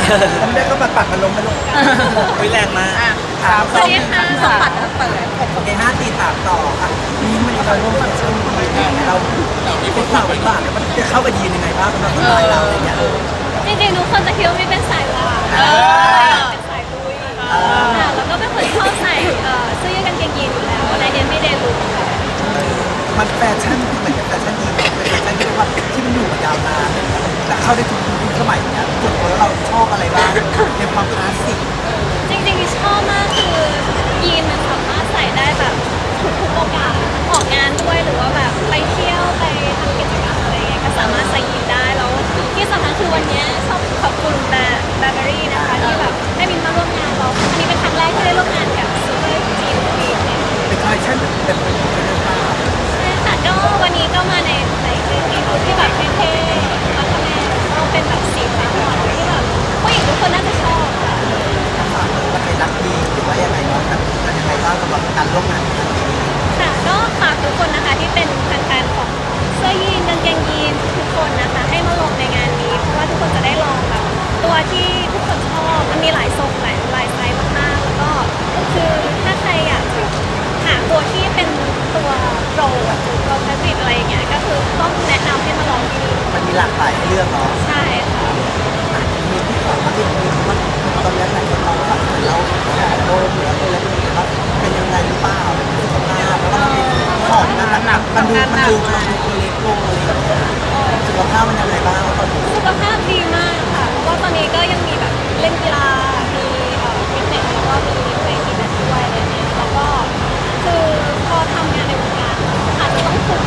ไม่ได้ก็ปัดมันล้มไปลงแรงมากสวัสดีค่ะสมบัติเปิดโอเค5 4 3ต่อค่ะนี่มันเราร่วมกับช่วงเราเป็นสาวบ้านแล้วมันจะเข้ากับยีนยังไงบ้างสำหรับสไตล์เราอะไรเงี้ยจริงๆทุกคนจะคิดว่าไม่เป็นสายลาเป็นสายลุยแล้วก็เป็นคนชอบใส่เสื้อยืดกางเกงยีนอยู่แล้วในเดนไม่เดนลุคมันแฟชั่นเหมือนกับแฟชั่นยีนเป็นแฟชั่นที่เรียกว่าที่มันอยู่มายาวนานและเข้าได้ทุกยุคสมัยเนี้ยส่วนตัวเราชอบอะไรบ้างในความคลาสสิกจริงๆชอบมากคือยีนมันสามารถใส่ได้แบบทุกโอกาสออกงานด้วยหรือว่าแบบไปเที่ยวไปทำกิจกรรมอะไรเงี้ยก็สามารถใส่ยีนได้แล้วที่สำคัญคือวันนี้ชอบขอบคุณแบร์เบอรี่นะคะที่แบบให้มินมาร่วมงานเราอันนี้เป็นครั้งแรกที่ได้ร่วมงานกับซูเปอร์จีนวีคเนี่ยเป็นคอลเลคชั่นเป็นใช่ค่ะก็วันนี้ก็มาในชุดที่แบบเท่ๆมาทำงานก็เป็นแบบสีฟ้าอ่อนที่แบบผู้หญิงทุกคนน่าจะชอบค่ะมันเป็นรักดีหรือว่ายังไงเนาะแบบยังไงบ้างสำหรับการร่วมงานครั้งนี้ค่ะก็ฝากทุกคนนะคะที่เป็นแฟนๆของเสื้อยีนกางเกงยีนทุกคนนะคะให้มาลงในงานนี้เพราะว่าทุกคนจะได้ลองแบบตัวที่ทุกคนชอบมันมีหลายทรงหลายไซส์มากๆแล้วก็คือถ้าใครอยากหาตัวที่เป็นตัวโปรหรือตัวแฟชั่นอะไรอย่างเงี้ยก็คือต้องแนะนำให้มาลองที่นี่มันมีหลากหลายให้เลือกเนาะใช่ค่ะมีที่ของที่มันตอนนี้ไหนคนเราแบบเราโดนหรืออะไรแบบว่าเป็นยังไงหรือเปล่าสุขภาพแล้วก็มันเป็นของหนักมันดูเราตัวเล็กลงอะไรอย่างเงี้ยสุขภาพมันยังไงบ้างตอนนี้สุขภาพดีมากค่ะเพราะว่าตอนนี้ก็ยังมีแบบเล่นกีฬามีฟิตเนสแล้วก็มีไปฟิตเนสด้วยอะไรเงี้ยแล้วก็คือพอทำงานในวงการอาจจะต้องคุม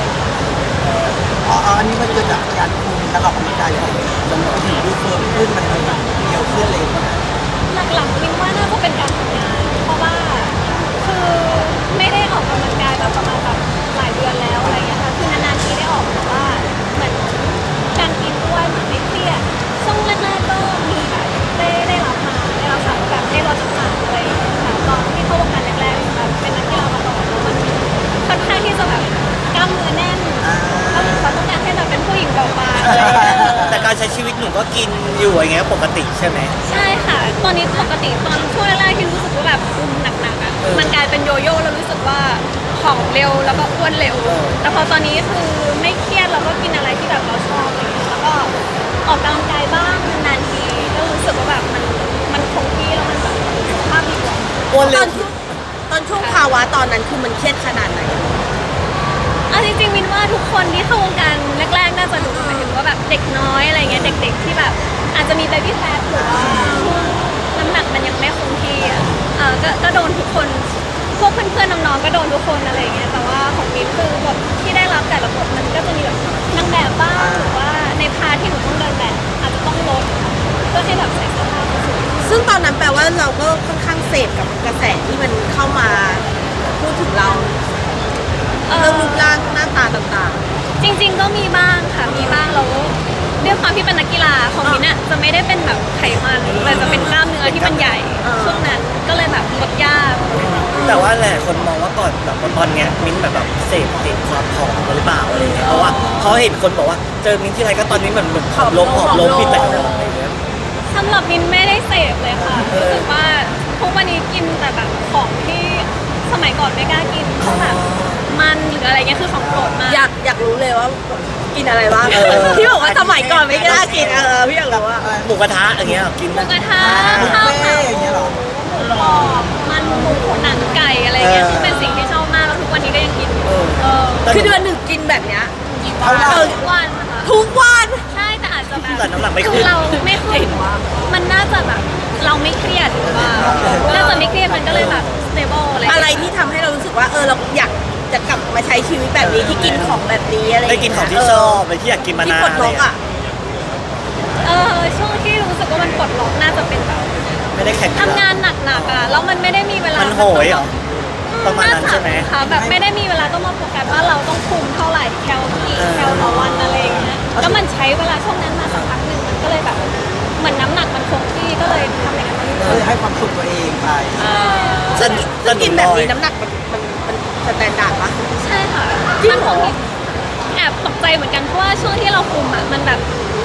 อันนี้มันเกิดจากการคุมการออกกำลังกายของมันถึงดูเฟิร์มขึ้นมันเดียวขึ้นเลยนะหลักๆมินว่าน่าจะเป็นการทำงานเพราะว่าคือไม่ได้ออกกำลังกายมาประมาณแบบหลายเดือนแล้วอะไรเงี้ยค่ะคือนานๆทีได้ออกแต่ว่าเหมือนการกินด้วยเหมือนไม่เครียดช่วงแรกๆก็มีแบบได้รับสารแบบได้ลดน้ำหนักอะไรอย่างเงี้ยค่ะตอนที่เข้าวงการแรกๆแบบเป็นนักกีฬามาก่อนแล้วมันค่อนข้างที่จะแบบกล้ามเนื้อแน่นแล้วเขาต้องการให้แบบเป็นผู้หญิงเบาบางอะไรอย่างเงี้ยแต่การใช้ชีวิตหนูก็กินอยู่อย่างเงี้ยปกติใช่ไหมใช่ค่ะตอนนี้ปกติตอนช่วงแรกๆที่รู้สึกว่าแบบคุมหนักๆอ่ะมันกลายเป็นโยโย่แล้วรู้สึกว่าผอมเร็วแล้วก็อ้วนเร็วแต่พอตอนนี้คือไม่เครียดแล้วก็กินอะไรที่แบบเราชอบอะไรเงี้ยแล้วก็ออกกำลังกายบ้างนานๆทีก็รู้สึกว่าแบบมันคงที่แล้วมันแบบสุขภาพดีกว่าอ้วนเร็วตอนช่วงภาวะตอนนั้นคือมันเครียดขนาดไหนจริงๆมินว่าทุกคนที่เข้าวงการแรกๆน่าจะรู้หมายถึงว่าแบบเด็กน้อยอะไรเงี้ยเด็กๆที่แบบอาจจะมีเบบี้แฟทหรือว่าช่วงน้ำหนักมันยังไม่คงที่ก็โดนทุกคนพวกเพื่อนๆน้องๆก็โดนทุกคนอะไรเงี้ยแต่ว่าของมินคือบทที่ได้รับแต่ละบทมันก็จะมีแบบนางแบบบ้างหรือว่าในพาร์ทที่หนูต้องเดินแบบอาจจะต้องลดเพื่อให้แบบใส่เสื้อผ้าสวยซึ่งตอนนั้นแปลว่าเราก็ค่อนข้างเสพกับกระแสที่มันเข้ามาพูดถึงเราเรื่องรูปร่างหน้าตาต่างๆจริงๆก็มีบ้างค่ะมีบ้างแล้วด้วยความที่เป็นนักกีฬาของมินอะจะไม่ได้เป็นแบบไขมันแต่จะเป็นกล้ามเนื้อที่มันใหญ่ช่วงนั้นก็เลยแบบลดยากแต่ว่าหลายคนมองว่าก่อนแบบตอนเนี้ยมิ้นแบบเสพติดความผอมหรือเปล่าอะไรเงี้ยเพราะว่าเขาเห็นคนบอกว่าเจอมิ้นที่ไรก็ตอนนี้เหมือนผอมลงผิดแต่อะไรเงี้ยสำหรับมินไม่ได้เสพเลยค่ะรู้สึกว่าทุกวันนี้กินแต่แบบของที่สมัยก่อนไม่กล้ากินเพราะแบบมันหรืออะไรเงี้ยคือของโปรดมากอยากรู้เลยว่ากินอะไรบ้างพี่บอกว่าสมัยก่อนไม่กล้ากินพี่อยากรู้ว่าหมูกระทะอย่างเงี้ยกินหมูกระทะข้าวขาหมูกรอบมันหมูหนังไก่อะไรเงี้ยคือเป็นสิ่งที่ชอบมากแล้วทุกวันนี้ก็ยังกินคือเดือนหนึ่งกินแบบเนี้ยทุกวันนะคะทุกวันใช่แต่อาจจะแบบแต่น้ำหนักไม่ขึ้นเราไม่เคยมันน่าจะแบบเราไม่เครียดหรือว่าน่าจะไม่เครียดมันก็เลยแบบ stable อะไรที่ทำให้เรารู้สึกว่าเราอยากจะกลับมาใช้ชีวิตแบบนี้ที่กินของแบบนี้อะไรได้กินของที่ชอบไปที่อยากกินมานานเลยช่วงที่รู้สึกว่ามันปลดล็อกน่าจะเป็นแบบไม่ได้แข่งทำงานหนักๆอ่ะแล้วมันไม่ได้มีเวลามันโหยเหรอประมาณนั้นใช่ไหมค่ะแบบไม่ได้มีเวลาต้องมาโฟกัสว่าเราต้องคุมเท่าไหร่แคลต่อวันอะไรอย่างเงี้ยแล้วมันใช้เวลาช่วงนั้นมาสักพักหนึ่งมันก็เลยแบบเหมือนน้ำหนักมันคงที่ก็เลยทำอย่างนั้นเลยให้ความสุขตัวเองไปซึ่งกินแบบนี้น้ำหนักมันสแตนดาร์ดปะใช่ค่ะมันแอบตกใจเหมือนกันเพราะว่าช่วงที่เราคุมอ่ะมันแบบยาก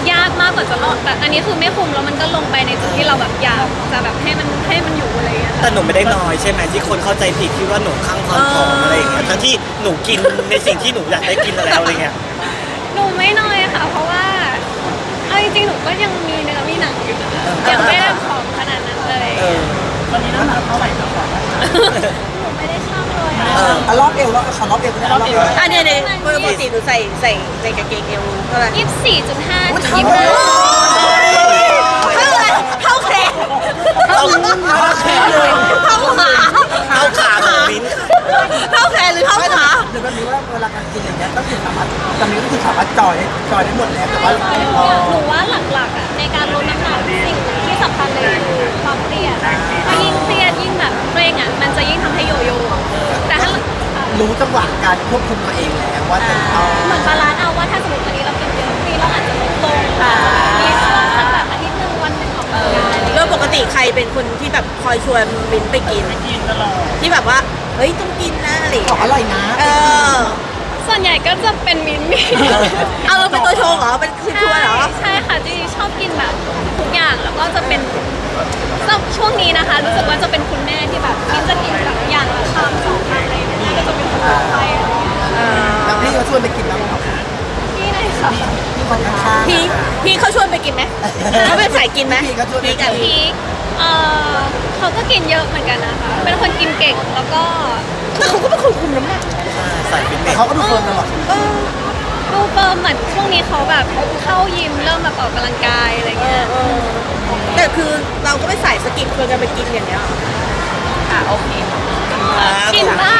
มากกว่าจะลดแต่อันนี้คือไม่คุมแล้วมันก็ลงไปในจุดที่เราแบบอยากจะแบบให้มันอยู่อะไรอย่างเงี้ยแต่หนูไม่ได้น้อยใช่ไหมที่คนเข้าใจผิดคิดว่าหนูข้างความผอมอะไรอย่างเงี้ยทั้งที่หนูกินในสิ่งที่หนูอยากได้กินมาแล้วอะไรเงี้ยหนูไม่น้อยค่ะ เพราะว่าเอาจริงๆหนูก็ยังมีเนื้อมีหนังอยู่นะยังไม่ได้ผอมขนาดนั้นเลยเออตอนนี้น้ำหนักเท่าไหร่ครับหนูไม่ได้ช่างเลยอะเออรอบเอวแล้วขอรอบเอวนะรอบเอวอ่ะเนี่ยปกติหนูใส่กางเกงเอวเท่าไหร่ 24.5 ถึงโอ้โห 25 เท่าไหร่เท่าแขนเอาแขนเลยเท่าขาเอาขาของมิ้นท์เท่าแขนหรือเท่าขาหรือแบบนี้ว่าเวลาการกินอย่างเงี้ยก็คือสามารถตอนนี้ก็คือสามารถจอยได้หมดแล้วแต่ว่าหนูว่าหลักๆอ่ะในการลดน้ำหนักสิ่งที่สำคัญเลยคือความเครียดถ้ายิ่งเครียดยิ่งแบบเคร่งอ่ะมันจะยิ่งทำให้โยโย่แต่ถ้ารู้จังหวะการควบคุมตัวเองแล้วว่าจะเอาเหมือนบาลานซ์เอาว่าถ้าสมมติวันนี้เรากินเยอะพรุ่งนี้เราอาจจะลดลงมีช่วงสักแบบอาทิตย์หนึ่งวันหนึ่งออกกำลังกายอะไรอย่างแล้เงี้วย ปกติใครเป็นคนที่แบบคอยชวนมินไปกินที่แบบว่าเฮ้ยต้องกินนะอะไรอย่างของเงี้ยอร่อยนะเออส่วนใหญ่ก็จะเป็นมิ้นท์เอาเราเป็นตัวโชว์เหรอเป็นคือชวนเหรอใช่ค่ะจริงๆชอบกินแบบทุกอย่างแล้วก็จะเป็นช่วงนี้นะคะ รู้สึกว่าจะเป็นคุณแม่ที่แบบมิ้นท์จะกินแบบอย่างละชามสองชามอะไรอย่างเงี้ยก็จะเป็นคนต่อไปอะไรอย่างเงี้ยแล้วพี่ก็ชวนไปกินบ้างไหมครับพี่เลยค่ะพี่คนข้างๆพี่เขาชวนไปกินไหมเขาเป็นสายกินไหมพี่ก็ชวนไปพี่กับพีคเขาก็กินเยอะเหมือนกันนะคะเป็นคนกินเก่งแล้วก็แต่เขาก็เป็นคนคุมน้ำหนักใส่ฟิตเนแต่สเขาก็ดูเฟิร์มตลอดดูเฟิร์มเหมือนช่วงนี้เขาแบบเข้ายิมเริ่มแบบออกกำลังกายอะไรเงี้ยแต่คือเราก็ไม่ใส่สกิปชวนกันไปกินอย่างเงี้ยหรออ่ะโอเคกินบ้าง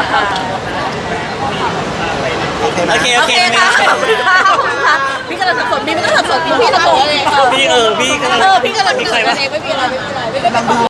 โอเคไหมโอเคโอเคค่ะขอบคุณค่ะขอบคุณค่ะพี่กำลังสับสนพี่ไม่ต้องสับสนพี่จะโกรธเองพี่พี่กำลังพี่กำลังมีใครเออวะพี่กำลังมีดูใครกัวะนเองไม่มีอะไรไม่เป็นไรไม่เป็นไร